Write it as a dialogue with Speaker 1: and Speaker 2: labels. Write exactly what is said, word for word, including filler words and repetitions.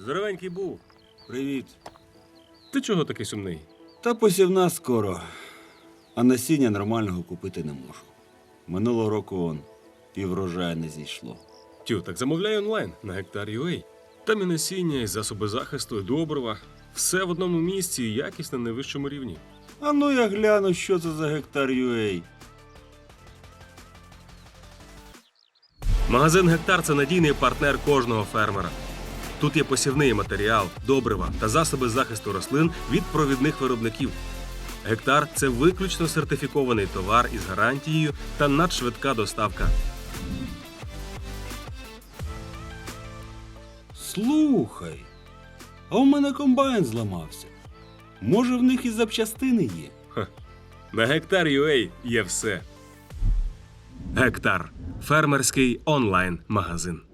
Speaker 1: Здоровенький був.
Speaker 2: Привіт.
Speaker 1: Ти чого такий сумний?
Speaker 2: Та посівна скоро, а насіння нормального купити не можу. Минулого року он і врожаю не зійшло.
Speaker 1: Тю, так замовляй онлайн на Гектар.ua. Там і насіння, і засоби захисту, і добрива. Все в одному місці і якість на найвищому рівні.
Speaker 2: А ну я гляну, що це за гектар ю ей.
Speaker 1: Магазин Гектар – це надійний партнер кожного фермера. Тут є посівний матеріал, добрива та засоби захисту рослин від провідних виробників. Гектар – це виключно сертифікований товар із гарантією та надшвидка доставка.
Speaker 2: Слухай, а у мене комбайн зламався. Може, в них і запчастини є?
Speaker 1: Ха. На Гектар.ua є все. Гектар – фермерський онлайн-магазин.